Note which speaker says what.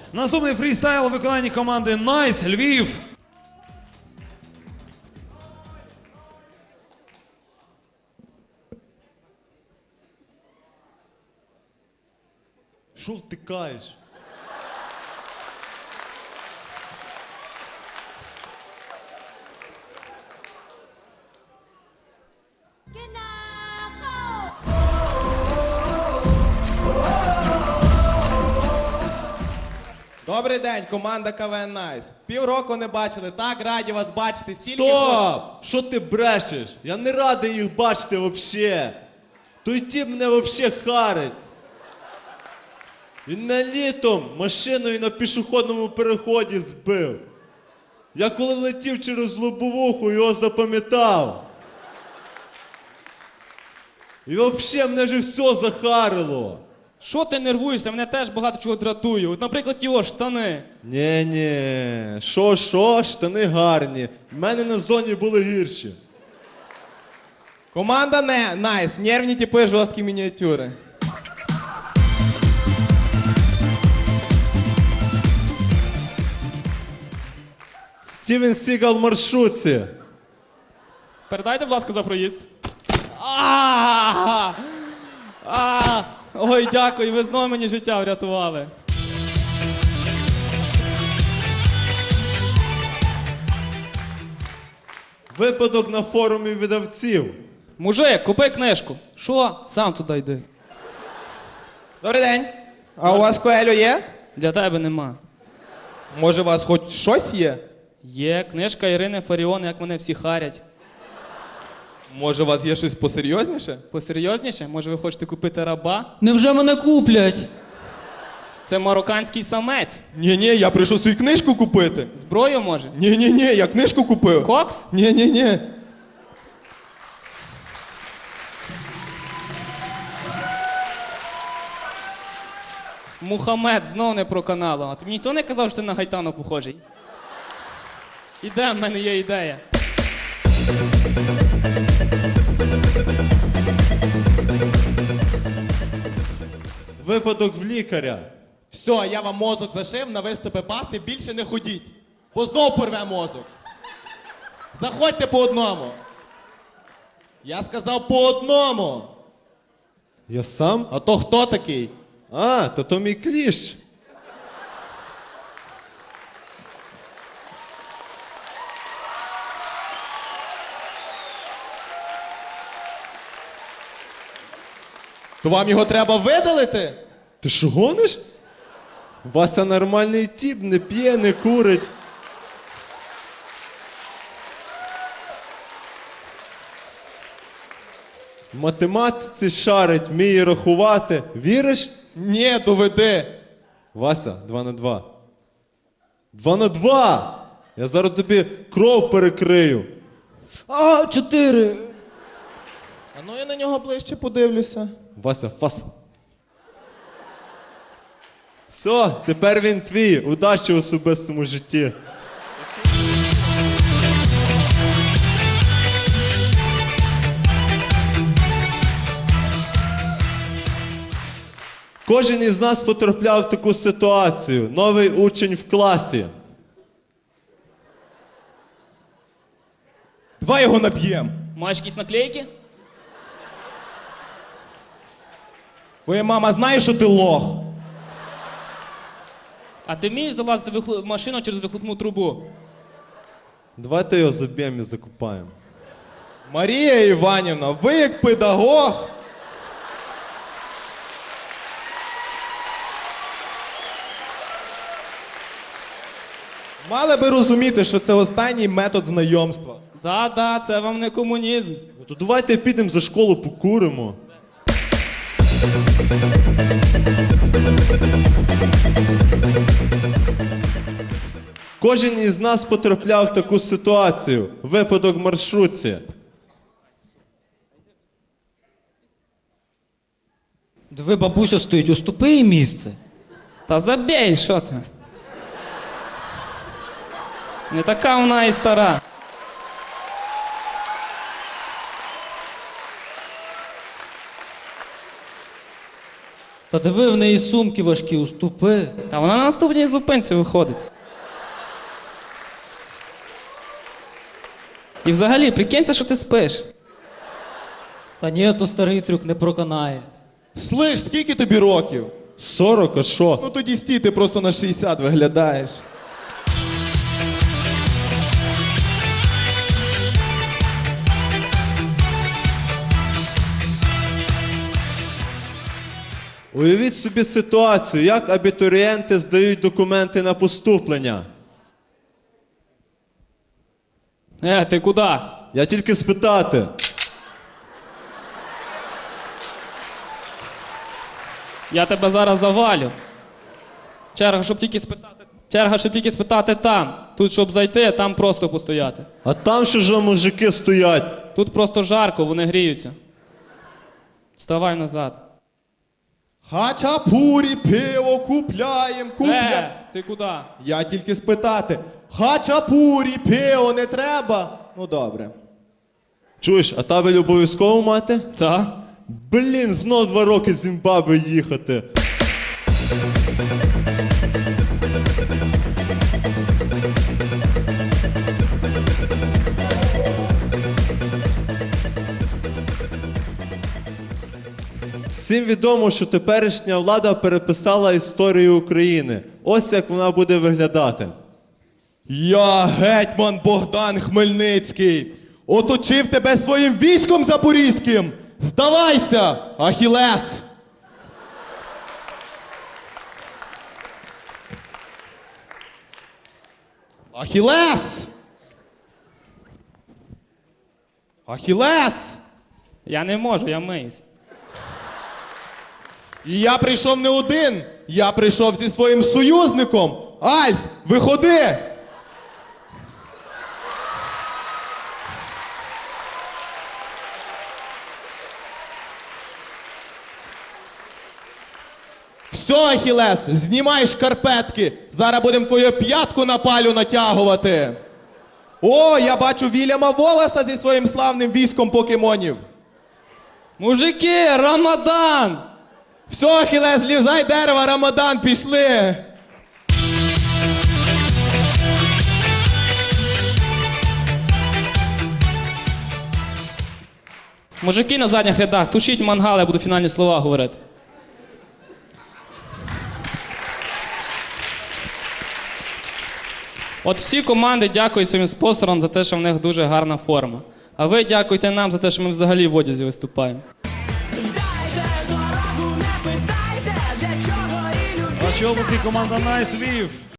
Speaker 1: Наступний фрістайл у виконанні команди Nice Львів.
Speaker 2: Що втикаєш?
Speaker 3: Добрий день, команда КВН Найс. Півроку не бачили, так раді вас бачити. Стільки
Speaker 2: Стоп! Що ти брешеш? Я не радий їх бачити вообще. Той тіп мене вообще харить. Він мене літом машиною на пішохідному переході збив. Я коли летів через лобовуху, його запам'ятав. І вообще мене вже все захарило.
Speaker 4: Що ти нервуєшся? Мене теж багато чого дратує. От, наприклад, ті штани.
Speaker 2: Ні, що, штани гарні. В мене на зоні були гірші.
Speaker 3: Команда Найс. Нервні типи, жорсткі мініатюри.
Speaker 2: Стівен Сігал в маршрутці.
Speaker 4: Передайте, будь ласка, за проїзд. Ой, дякую, ви знову мені життя врятували.
Speaker 2: Випадок на форумі видавців.
Speaker 4: Мужик, купи книжку. Що? Сам туди йди.
Speaker 3: Добрий день. А у вас Коелю є?
Speaker 4: Для тебе нема.
Speaker 3: Може, у вас хоч щось є?
Speaker 4: Є книжка Ірини Фаріон, як мене всі харять.
Speaker 3: Може, у вас є щось посерйозніше?
Speaker 4: Посерйозніше? Може, ви хочете купити раба?
Speaker 5: Невже мене куплять?
Speaker 4: Це марокканський самець.
Speaker 3: Ні, я прийшов свою книжку купити.
Speaker 4: Зброю може?
Speaker 3: Ні, я книжку купив.
Speaker 4: Кокс?
Speaker 3: Ні.
Speaker 4: Мухаммед знов не про каналу. А тобі ніхто не казав, що ти на Гайтану похожий? Іде, в мене є ідея.
Speaker 2: Випадок в лікаря.
Speaker 3: Все, я вам мозок зашив, на виступи пасти, більше не ходіть. Бо знов порве мозок. Заходьте по одному. Я сказав по одному.
Speaker 2: Я сам?
Speaker 3: А то хто такий?
Speaker 2: То мій кліщ.
Speaker 3: То вам його треба видалити?
Speaker 2: Ти що гониш? Вася нормальний тіп, не п'є, не курить. В математиці шарить, вміє рахувати. Віриш?
Speaker 3: Ні, доведи.
Speaker 2: Вася, 2 на 2. 2 на 2! Я зараз тобі кров перекрию.
Speaker 5: 4.
Speaker 3: А ну я на нього ближче подивлюся.
Speaker 2: Вася, фас. Все, тепер він твій. Удачі в особистому житті. Кожен із нас потрапляв в таку ситуацію. Новий учень в класі.
Speaker 3: Давай його наб'єм.
Speaker 4: Маєш якісь наклейки?
Speaker 3: Твоя мама знає, що ти лох.
Speaker 4: А ти вмієш залазити в машину через вихлопну трубу?
Speaker 2: Давайте його заб'ємо і закопаємо.
Speaker 3: Марія Іванівна, ви як педагог. Мали би розуміти, що це останній метод знайомства.
Speaker 4: Да, це вам не комунізм.
Speaker 2: Ну то давайте підемо за школу покуримо. Кожен із нас потрапляв в таку ситуацію. Випадок в маршрутці.
Speaker 5: Диви, бабуся стоїть, уступи їй місце.
Speaker 4: Та забей, що ти? Не така вона і стара.
Speaker 5: Та диви, в неї сумки важкі, уступи.
Speaker 4: Та вона на наступній зупинці виходить. І взагалі, прикинься, що ти спиш.
Speaker 5: Та ні, то старий трюк не проканає.
Speaker 3: Слиш, скільки тобі років?
Speaker 2: 40, а що?
Speaker 3: Ну тоді стій, ти просто на 60 виглядаєш.
Speaker 2: Уявіть собі ситуацію, як абітурієнти здають документи на поступлення.
Speaker 4: Ти куди?
Speaker 2: Я тільки спитати.
Speaker 4: Я тебе зараз завалю. Черга, щоб тільки спитати. Черга, щоб тільки спитати там. Тут, щоб зайти, там просто постояти.
Speaker 2: А там що ж мужики стоять?
Speaker 4: Тут просто жарко, вони гріються. Вставай назад.
Speaker 3: Хачапурі, пиво купляєм,
Speaker 4: Ти куди?
Speaker 3: Я тільки спитати. Хачапурі, пиво не треба? Ну добре.
Speaker 2: Чуєш, а табель обов'язково мати?
Speaker 4: Та?
Speaker 2: Блін, знов 2 роки з Зімбабве їхати. Всім відомо, що теперішня влада переписала історію України. Ось як вона буде виглядати.
Speaker 3: Я гетьман Богдан Хмельницький. Оточив тебе своїм військом запорізьким. Здавайся, Ахілес! Ахілес! Ахілес!
Speaker 4: Я не можу, я миюсь.
Speaker 3: І я прийшов не один. Я прийшов зі своїм союзником. Альф, виходи! Все, Ахілес, знімай шкарпетки. Зараз будемо твою п'ятку на палю натягувати. О, я бачу Вільяма Волоса зі своїм славним військом покемонів.
Speaker 4: Мужики, Рамадан!
Speaker 3: Все, Ахілес, злізай дерева, Рамадан, пішли.
Speaker 4: Мужики на задніх рядах, тушіть мангал, я буду фінальні слова говорити. От всі команди дякують своїм спонсорам за те, що в них дуже гарна форма. А ви дякуйте нам за те, що ми взагалі в одязі виступаємо.
Speaker 1: А чому ці команда Nice Львів?